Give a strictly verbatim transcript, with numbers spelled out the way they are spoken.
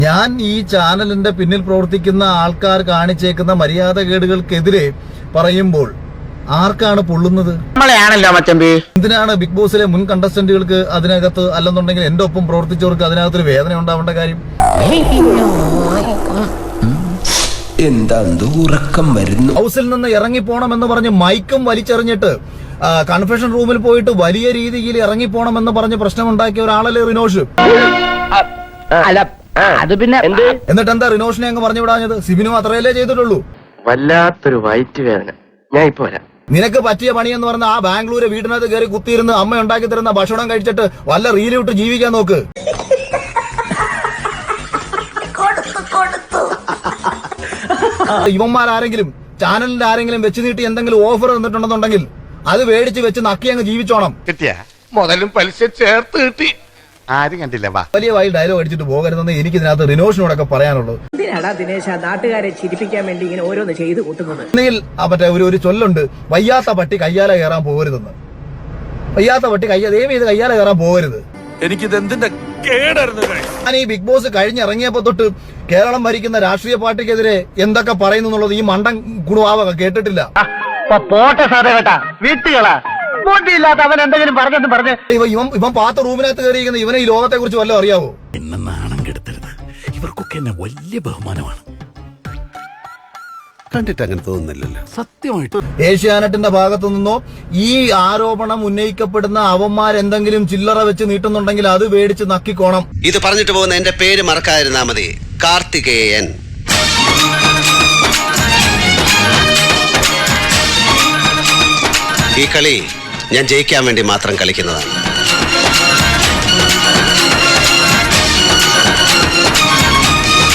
ഞാൻ ഈ ചാനലിന്റെ പിന്നിൽ പ്രവർത്തിക്കുന്ന ആൾക്കാർ കാണിച്ചേക്കുന്ന മര്യാദകേടുകൾക്കെതിരെ പറയുമ്പോൾ ആർക്കാണ് പൊള്ളുന്നത്? നമ്മളെയാണല്ലോ മച്ചമ്പി. എന്തിനാണ് ബിഗ് ബോസിലെ മുൻ കണ്ടസ്റ്റന്റുകൾക്ക് അതിനകത്ത്, അല്ലെന്നുണ്ടെങ്കിൽ എന്റെ ഒപ്പം പ്രവർത്തിച്ചവർക്ക് അതിനകത്തൊരു വേദന ഉണ്ടാവേണ്ട കാര്യം? എന്താ ഉറക്കം വരുന്നു? ഹൗസിൽ നിന്ന് ഇറങ്ങിപ്പോണമെന്ന് പറഞ്ഞ് മൈക്കും വലിച്ചെറിഞ്ഞിട്ട് കൺഫെഷൻ റൂമിൽ പോയിട്ട് വലിയ രീതിയിൽ ഇറങ്ങിപ്പോണമെന്ന് പറഞ്ഞ് പ്രശ്നമുണ്ടാക്കിയ ഒരാളല്ലേ റിനോഷ്? അത് പിന്നെ എന്നിട്ട് എന്താ റിനോഷിനെ അങ്ങ് പറഞ്ഞു വിടാഞ്ഞത്? സിബിനും അത്രയല്ലേ ചെയ്തിട്ടുള്ളൂ. വല്ലാത്തൊരു വയറ്റ് വേദന. ഞാൻ ഇപ്പൊ വരാം. നിനക്ക് പറ്റിയ പണി എന്ന് പറഞ്ഞ ആ ബാംഗ്ലൂര് വീടിനകത്ത് കയറി കുത്തിയിരുന്ന് അമ്മ ഉണ്ടാക്കി തരുന്ന ഭക്ഷണം കഴിച്ചിട്ട് വല്ല റീല് വിട്ട് ജീവിക്കാൻ നോക്ക്. ഇവന്മാരാരെങ്കിലും ചാനലിന്റെ ആരെങ്കിലും വെച്ച് നീട്ടി എന്തെങ്കിലും ഓഫർ തന്നിട്ടുണ്ടെന്നുണ്ടെങ്കിൽ അത് മേടിച്ച് വെച്ച് നക്കി അങ്ങ് ജീവിച്ചോണം. കിട്ടിയ മുതലും പലിശ ചേർത്ത് കിട്ടി. ആരും കണ്ടില്ല. വലിയ വായി ഡയലോഗ് അടിച്ചിട്ട് പോകരുതെന്ന് എനിക്ക് ഇതിനകത്ത് റിനോഷിനോടൊക്കെ പറയാനുള്ളത്. ദിനേശ നാട്ടുകാരെ ചിരിപ്പിക്കാൻ വേണ്ടി ഇങ്ങനെ ഓരോന്ന് ചെയ്ത് കൂട്ടുന്നത്. ഒന്നുകിൽ മറ്റേ ഒരു ഒരു ചൊല്ലുണ്ട്, വയ്യാത്ത പട്ടി കയ്യാല കയറാൻ പോകരുതെന്ന്. വയ്യാത്ത പട്ടി കയ്യ ദൈവം ഇത് കയ്യാല കയറാൻ പോകരുത്. എനിക്കിത് എന്തിന്റെ കേടായിരുന്നു. ഞാൻ ഈ ബിഗ് ബോസ് കഴിഞ്ഞിറങ്ങിയപ്പോ തൊട്ട് കേരളം ഭരിക്കുന്ന രാഷ്ട്രീയ പാർട്ടിക്കെതിരെ എന്തൊക്കെ പറയുന്നു എന്നുള്ളത് ഈ മണ്ടൻ കുണുവാവ കേട്ടിട്ടില്ല. പോട്ടെ സാറേ കേട്ടാ, വീട്ടുകളാ ബോട്ടിയില്ലാത്ത അവൻ എന്തെങ്കിലും പറഞ്ഞെന്ന് പറഞ്ഞ് ഇവൻ ഇവൻ പാത്ത റൂമിനകത്ത് കയറിയിരിക്കുന്ന ഇവനെ ഈ ലോകത്തെ കുറിച്ച് വല്ലതും അറിയാവോ? എന്നെ നാണം കെടുത്തരുത്. ഇവർക്കൊക്കെ എന്നെ വലിയ ബഹുമാനമാണ്. കണ്ടിട്ട് അങ്ങനെ തോന്നുന്നില്ലല്ലോ. സത്യമായിട്ട് ഏഷ്യാനെറ്റിന്റെ ഭാഗത്തു നിന്നോ ഈ ആരോപണം ഉന്നയിക്കപ്പെടുന്ന അവന്മാരെന്തെങ്കിലും ചില്ലറ വെച്ച് നീട്ടുന്നുണ്ടെങ്കിൽ അത് മേടിച്ച് നക്കിക്കോണം. ഇത് പറഞ്ഞിട്ട് പോകുന്ന എന്റെ പേര് മറക്കാതിരുന്നാ മതി. കാർത്തികേയൻ. ഈ കളി ഞാൻ ജയിക്കാൻ വേണ്ടി മാത്രം കളിക്കുന്നതാണ്.